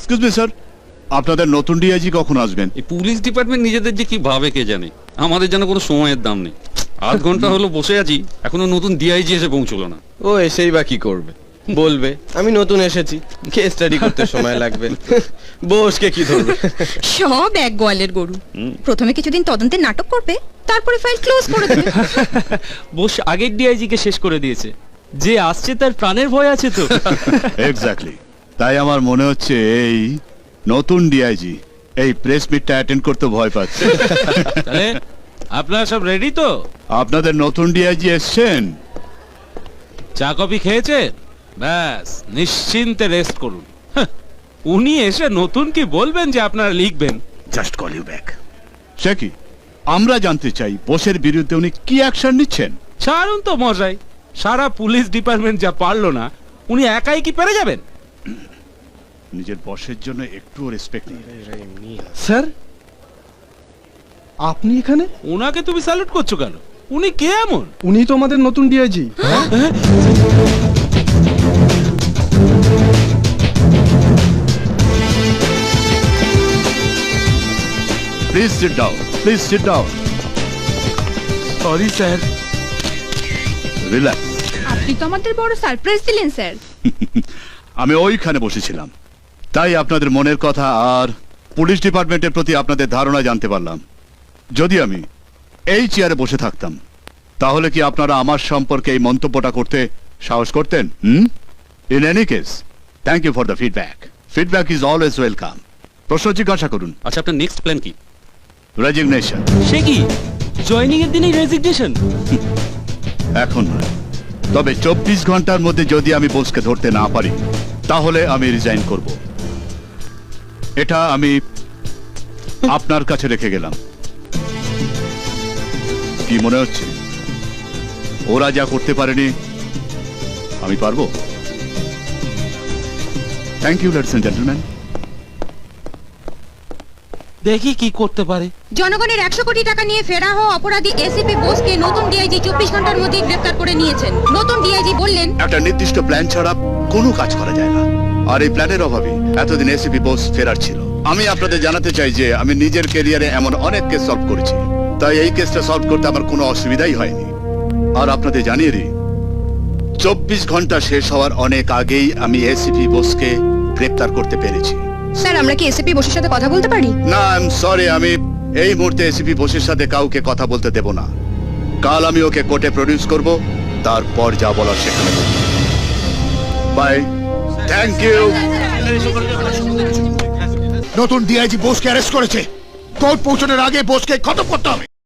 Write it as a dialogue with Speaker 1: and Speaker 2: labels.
Speaker 1: Excuse me sir, আপনাদের নতুন DIG কখন আসবেন?
Speaker 2: এই পুলিশ ডিপার্টমেন্ট নিজেদের যে কি ভাবে কে জানে, আমাদের যেন কোনো সময়ের দাম নেই। আধ ঘন্টা হলো বসে আছি, এখনো নতুন ডিআইজি এসে পৌঁছলো না।
Speaker 3: ও এসেই বা কি করবে, বলবে আমি নতুন এসেছি, কেস স্টাডি করতে সময় লাগবে, বসকে কি ধরবে।
Speaker 4: সব এক গোয়ালের গরু। প্রথমে কিছুদিন তদন্তের নাটক করবে, তারপরে ফাইল ক্লোজ করে দেবে।
Speaker 5: বোস আগের ডিআইজি কে শেষ করে দিয়েছে, যে আসছে তার প্রাণের ভয় আছে তো।
Speaker 1: এক্স্যাক্টলি, তাই আমার মনে হচ্ছে এই নতুন ডিআইজি এই প্রেস মিটটা অ্যাটেন্ড করতে ভয় পাচ্ছে।
Speaker 6: তাহলে আপনারা সব রেডি তো?
Speaker 1: আপনাদের নতুন ডিআইজি এসছেন?
Speaker 6: চা কফি খেয়েছেন? ব্যাস নিশ্চিন্তে রেস্ট করুন। উনি এসে নতুন কি বলবেন যে আপনারা লিখবেন?
Speaker 1: Just call you back. সে কি, আমরা জানতে চাই বসের বিরুদ্ধে উনি কি অ্যাকশন নিচ্ছেন।
Speaker 6: ছাড়ুন তো মশাই, সারা পুলিশ ডিপার্টমেন্ট যা পারলো না, উনি একাই কি পেরে যাবেন?
Speaker 1: নিজের বসের জন্য একটুও রেসপেক্ট নেই।
Speaker 7: স্যার, আপনি এখানে?
Speaker 6: ওনাকে তুমি স্যালুট করছো কেন? উনি কে এমন?
Speaker 7: উনি তো আমাদের নতুন DIG.
Speaker 1: Please sit down, please sit down.
Speaker 7: Sorry sir.
Speaker 1: Relax.
Speaker 4: আপনি তো আমাদের বড় সারপ্রাইজ দিলেন স্যার।
Speaker 1: আমি ওইখানে বসেছিলাম, তাই আপনাদের মনের কথা আর পুলিশ ডিপার্টমেন্টের প্রতি আপনাদের ধারণা জানতে পারলাম। যদি আমি এই চেয়ারে বসে থাকতাম, তাহলে কি আপনারা আমার সম্পর্কে এই মন্তব্যটা করতে সাহস করতেন? In any case, thank you for the feedback. Feedback is always welcome. প্রশ্ন জিজ্ঞাসা করুন।
Speaker 2: আচ্ছা, আপনার নেক্সট প্ল্যান কি?
Speaker 1: রেজিগনেশন।
Speaker 5: সে কি জয়েনিং এর দিনেই রেজিগনেশন?
Speaker 1: এখন নয়, তবে 24 ঘন্টার মধ্যে যদি আমি বসকে ধরতে না পারি, তাহলে আমি রিজাইন করব। এটা আমি আপনার কাছে রেখে গেলাম। কি মনে হচ্ছে ওরা যা করতে পারেনি আমি পারবো? Thank you ladies and gentleman.
Speaker 6: দেখি কি করতে পারে।
Speaker 4: জনগণের 100 কোটি টাকা নিয়ে ফেরা হওয়া অপরাধী এসিপি বোসকে নতুন ডিআইজি 24 ঘন্টার মধ্যে গ্রেফতার করে নিয়েছেন। নতুন ডিআইজি বললেন,
Speaker 1: একটা নির্দিষ্ট প্ল্যান ছাড়া কোনো কাজ করা যায় না, আর এই প্ল্যানের অভাবে এতদিন এসিপি বোস ফেরার ছিল। আমি আপনাদের জানাতে চাই যে আমি নিজের ক্যারিয়ারে এমন অনেক কেস সলভ করেছি, তাই এই কেসটা সলভ করতে আমার কোনো অসুবিধাই হয়নি। আর আপনাদের জানিয়ে দিই, 24 ঘন্টা শেষ হওয়ার অনেক আগেই আমি এসিপি বোসকে গ্রেফতার করতে পেরেছি।
Speaker 4: স্যার আমরা কি এসিপি বোসের সাথে কথা বলতে পারি?
Speaker 1: না, আই এম সরি, আমি এই মুহূর্তে এসিপি বোসের সাথে কাউকে কথা বলতে দেব না। কাল আমি ওকে কোর্টে প্রডিউস করব, তারপর যা বলার সেখানে বলব। Bye, thank you.
Speaker 8: নতুন ডিআইজি বোসকে অ্যারেস্ট করেছে। কোর্ট পৌঁছানোর আগে বোসকে খতম করতে হবে।